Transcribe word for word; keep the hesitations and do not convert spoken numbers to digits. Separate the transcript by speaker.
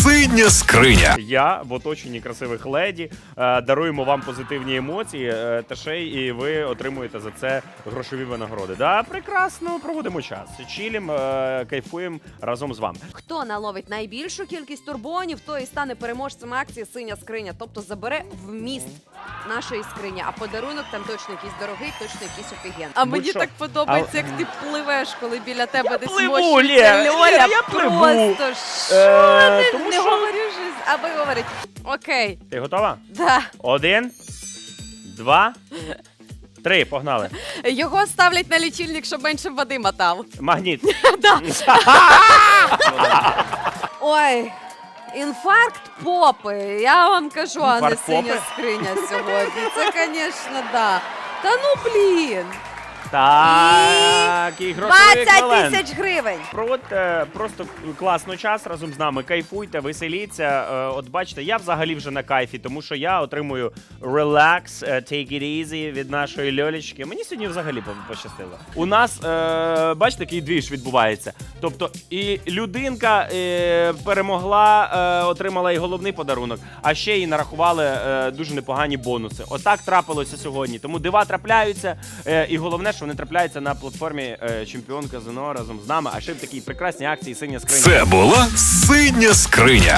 Speaker 1: Синя скриня.
Speaker 2: Я в оточенні красивих леді е, даруємо вам позитивні емоції, е, та ще й і ви отримуєте за це грошові винагороди. Да, прекрасно проводимо час. Чилім, е, кайфуємо разом з вами.
Speaker 3: Хто наловить найбільшу кількість турбонів, той і стане переможцем акції «Синя скриня», тобто забере вміст нашої скрині. А подарунок там точно якийсь дорогий, точно якийсь офіген. А мені
Speaker 2: що?
Speaker 3: так подобається,
Speaker 2: А-
Speaker 3: як ти пливеш, коли біля тебе десь
Speaker 2: пливу,
Speaker 3: мощиться
Speaker 2: Лєра,
Speaker 3: Льоля.
Speaker 2: Лєра, я пливу.
Speaker 3: Просто що
Speaker 2: Е,
Speaker 3: ти
Speaker 2: тому
Speaker 3: не
Speaker 2: що-
Speaker 3: говориш, аби говорить. Окей,
Speaker 2: Ти готова?
Speaker 3: да.
Speaker 2: Один, два, три. Погнали.
Speaker 3: Його ставлять на лічильник, щоб менше води мотав.
Speaker 2: Магніт.
Speaker 3: Ой, інфаркт попи, я вам кажу, а не
Speaker 2: Інфаркт
Speaker 3: синя
Speaker 2: попи?
Speaker 3: скриня сьогодні. Це, звісно, да. Та ну, блін.
Speaker 2: Так, і грошовий
Speaker 3: двадцять
Speaker 2: еквівалент.
Speaker 3: тисяч гривень.
Speaker 2: Проводьте просто класно час разом з нами, кайфуйте, веселіться. Е, От бачите, я взагалі вже на кайфі, тому що я отримую relax, е, take it easy від нашої Льолічки. Мені сьогодні взагалі по- пощастило. У нас, е, бачите, такий двіж відбувається. Тобто і людинка е, перемогла, е, отримала і головний подарунок, а ще й нарахували е, дуже непогані бонуси. Отак трапилося сьогодні. Тому дива трапляються, е, і головне, що вони трапляються на платформі е, Чемпіон Казино разом з нами, а ще в такій прекрасній акції «Синя скриня».
Speaker 1: Це була синя скриня.